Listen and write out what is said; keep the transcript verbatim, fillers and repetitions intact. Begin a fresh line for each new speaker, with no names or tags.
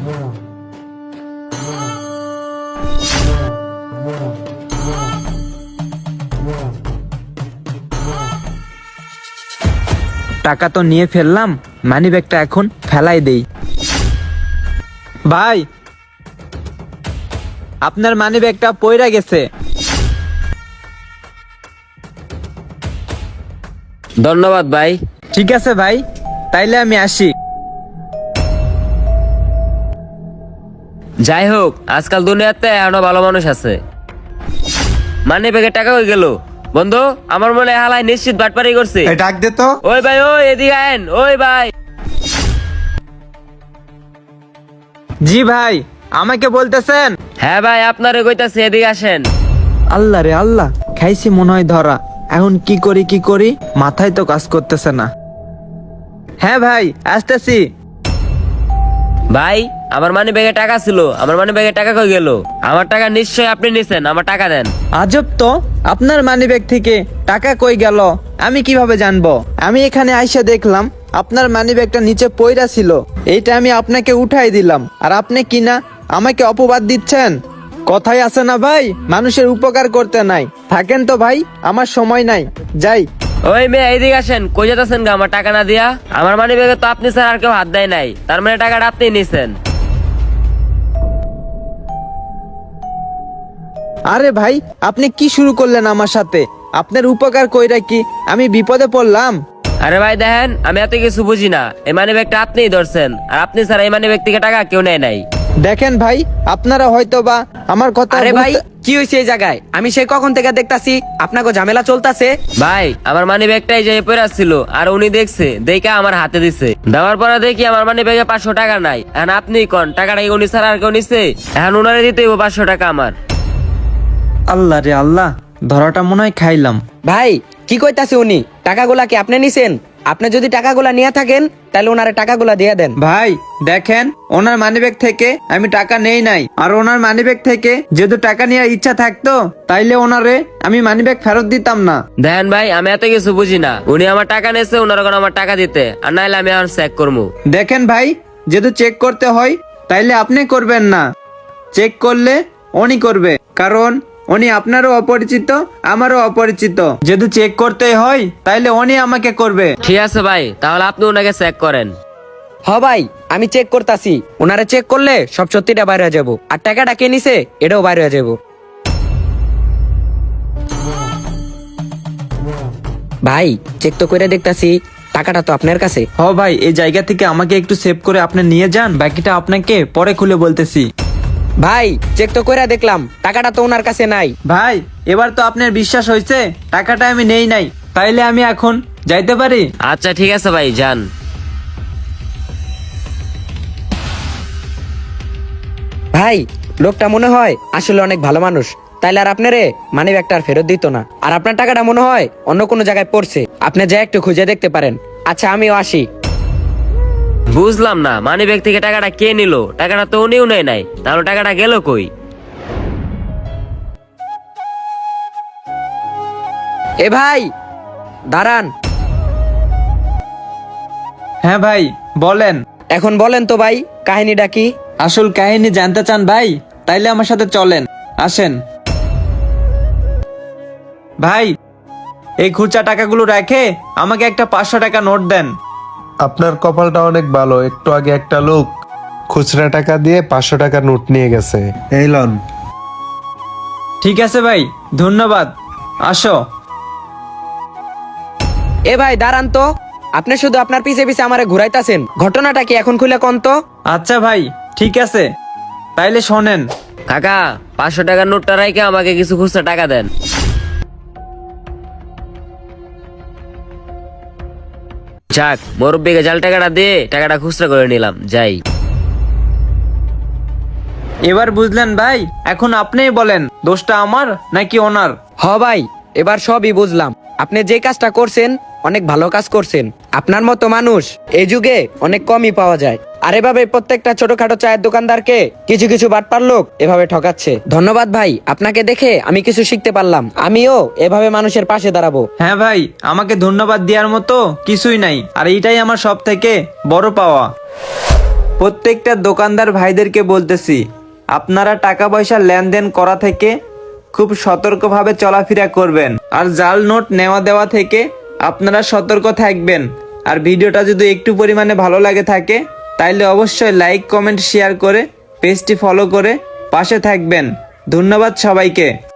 টাকা তো নিয়ে ফেললাম, মানি ব্যাগটা এখন ফেলাই দেই। ভাই, আপনার মানি ব্যাগটা পইরা গেছে।
ধন্যবাদ ভাই।
ঠিক আছে ভাই, তাইলে আমি আসি।
যাই হোক, আজকাল দুনিয়াতে এখনো ভালো মানুষ আছে। মানি ব্যাগে টাকা হয়ে গেল। বন্ধু, আমার মনে হয় হালাই নিশ্চিত বাটপারি করছে।
এই ডাক দে তো।
ওই ভাই, ওই এদিকে আইন। ওই ভাই।
জি ভাই, আমাকে বলতেছেন?
হ্যাঁ ভাই, আপনারে কইতাছি, এদিকে আসেন।
আল্লাহ রে আল্লাহ, খাইছি মনে হয় ধরা। এখন কি করি কি করি মাথায় তো কাজ করতেছে না। হ্যাঁ ভাই, আসতেছি।
ভাই, আমার মানি ব্যাগে টাকা ছিল, আমার মানি ব্যাগে টাকা কই গেল? আমার টাকা নিশ্চয়ই আপনি নিছেন, আমার টাকা দেন।
আজব তো, আপনার মানিব্যাগ থেকে টাকা কই গেল আমি কিভাবে জানবো? আমি এখানে আইসা দেখলাম আপনার মানিব্যাগটা নিচে পইরা ছিল, এইটা আমি আপনাকে উঠাই দিলাম, আর আপনি কিনা আমাকে অপবাদ দিচ্ছেন। কথাই আছে না ভাই, মানুষের উপকার করতে নাই। থাকেন তো ভাই, আমার সময় নাই, যাই।
ওই মেয়ে, এইদিকে আসেন। কই যেতেছেন গা আমার টাকা না দিয়া? আমার মানি ব্যাগে তো আপনি স্যার আর কেউ হাত দেয় নাই, তার মানে টাকাটা আপনি নিছেন।
আরে ভাই, আপনি কি শুরু করলেন আমার সাথে? আপনার উপকার কইরা কি আমি বিপদে পড়লাম?
আরে ভাই দেখেন, আমি এত কিছু বুঝি না। এই মানি ব্যাগটা আপনিই ধরছেন, আর আপনি স্যার এই মানি ব্যাগ থেকে টাকা কেউ নেয় নাই।
দেখেন ভাই, আপনারা হয়তো বা আমার কথা
আরে ভাই,
বুঝতে-
কি হয়েছে এই জায়গায়? আমি সেই কখন থেকে দেখতাছি আপনাকে ঝামেলা চলতেছে।
ভাই, আমার মানি ব্যাগটাই যে পড়ে আসছিল, আর উনি দেখছে, দেখে আমার হাতে দিছে। দেওয়ার পরে দেখি আমার মানি ব্যাগে পাঁচশো টাকা নাই। এখন আপনি কোন টাকাটা কি উনি ছাড়া আর কেউ নিছে? এখন উনারে দিতে হইব পাঁচশো টাকা আমার।
আল্লাহ রে আল্লাহ, ধরাটা মনে হয় খাইলাম।
ভাই, কি কইতাছে উনি? টাকাগুলা কি আপনি নিছেন? আপনি যদি টাকাগুলা নিয়ে থাকেন তাহলে ওনারে টাকাগুলা দিয়ে দেন।
ভাই দেখেন, ওনার মানিব্যাগ থেকে আমি টাকা নেই নাই, আর ওনার মানিব্যাগ থেকে যেহেতু টাকা নেওয়ার ইচ্ছা থাকতো তাইলে ওনারে আমি মানিব্যাগ ফেরত দিতাম না।
দেখেন ভাই, আমি এত কিছু বুঝি না। উনি আমার টাকা নিয়েছে, উনার কোনো আমার টাকা দিতে, আর নাইলে আমি এখন চেক করবো।
দেখেন ভাই, যেহেতু চেক করতে হয় তাইলে আপনি করবেন না, চেক করলে উনি করবে, কারণ উনি আপনারও অপরিচিত আমারও অপরিচিত। যেহেতু চেক করতে হয় তাইলে উনি আমাকে করবে।
ঠিক আছে ভাই, তাহলে আপনি ওনাকে চেক করেন।
হ ভাই, আমি চেক করতাছি। ওনারে চেক করলে সব সত্যিটা বাইরে হয়ে যাবো, আর টাকাটা কে নিছে এটাও বাইরে হয়ে যাবো। ভাই, চেক তো করে দেখতাছি, টাকাটা তো আপনার কাছে।
হ ভাই, এই জায়গা থেকে আমাকে একটু সেভ করে আপনি নিয়ে যান, বাকিটা আপনাকে পরে খুলে বলতেছি।
ভাই, চেক তো করে দেখলাম, টাকাটা তো ওনার কাছে নাই।
ভাই, এবার তো আপনার বিশ্বাস হয়েছে টাকাটা আমি নেই নাই, তাইলে আমি এখন যাইতে পারি?
আচ্ছা ঠিক আছে ভাই, যান।
ভাই, লোকটা মনে হয় আসলে অনেক ভালো মানুষ, তাইলে আর আপনারে মানি ব্যাগটা আর ফেরত দিত না। আর আপনার টাকাটা মনে হয় অন্য কোনো জায়গায় পড়ছে, আপনি যা একটু খুঁজে দেখতে পারেন। আচ্ছা, আমিও আসি।
বুঝলাম না, মানি ব্যাগ থেকে টাকাটা কে নিল? টাকাটা তো উনিও নেয় নাই, তাহলে টাকাটা গেল কই?
এ ভাই, দাঁড়ান।
হ্যাঁ ভাই, বলেন।
এখন বলেন তো ভাই, কাহিনীটা কি?
আসল কাহিনী জানতে চান ভাই? তাইলে আমার সাথে চলেন, আসেন। ভাই, এই খুচরা টাকাগুলো রেখে আমাকে একটা পাঁচশো টাকা নোট দেন।
আপনার কপালটা অনেক ভালো, একটু আগে একটা লোক খুচরা টাকা দিয়ে পাঁচশো টাকা নোট নিয়ে গেছে। এই লন।
ঠিক আছে ভাই, ধন্যবাদ, আসো।
এ ভাই, দাঁড়ান তো। আপনি শুধু আপনার পিছে পিছে আমারে ঘুরাইতাছেন, ঘটনাটা কি এখন খুলে কোন তো?
আচ্ছা ভাই, ঠিক আছে, তাইলে শোনেন।
কাকা, পাঁচশো টাকার নোটটা রাইকে আমাকে কিছু খুচরা টাকা দেন। যাক, মুরব্বিকে জাল টাকাটা দিয়ে টাকাটা খুচরা করে নিলাম, যাই।
এবার বুঝলেন ভাই? এখন আপনিই বলেন, দোষটা আমার নাকি ওনার?
হ ভাই, এবার সবই বুঝলাম। আপনি যে কাজটা করছেন অনেক ভালো কাজ করছেন। আপনার মতো মানুষ এই যুগে অনেক কমই পাওয়া যায়। আর এভাবে প্রত্যেকটা ছোটখাটো চায়ের দোকানদারকে কিছু কিছু বাটপার লোক এভাবে ঠকাচ্ছে। ধন্যবাদ ভাই, আপনাকে দেখে আমি কিছু শিখতে পারলাম। আমিও এভাবে মানুষের পাশে দাঁড়াবো।
হ্যাঁ ভাই, আমাকে ধন্যবাদ দেওয়ার মতো কিছুই নাই, আর এইটাই আমার সব থেকে বড় পাওয়া। প্রত্যেকটা দোকানদার ভাইদেরকে বলতেছি, আপনারা টাকা পয়সা লেনদেন করা থেকে খুব সতর্কভাবে চলাফেরা করবেন, আর জাল নোট নেওয়া দেওয়া থেকে আপনারা সতর্ক থাকবেন। আর ভিডিওটা যদি একটু পরিমাণে ভালো লাগে থাকে তাইলে অবশ্যই লাইক কমেন্ট শেয়ার করে পেজটি ফলো করে পাশে থাকবেন। ধন্যবাদ সবাইকে।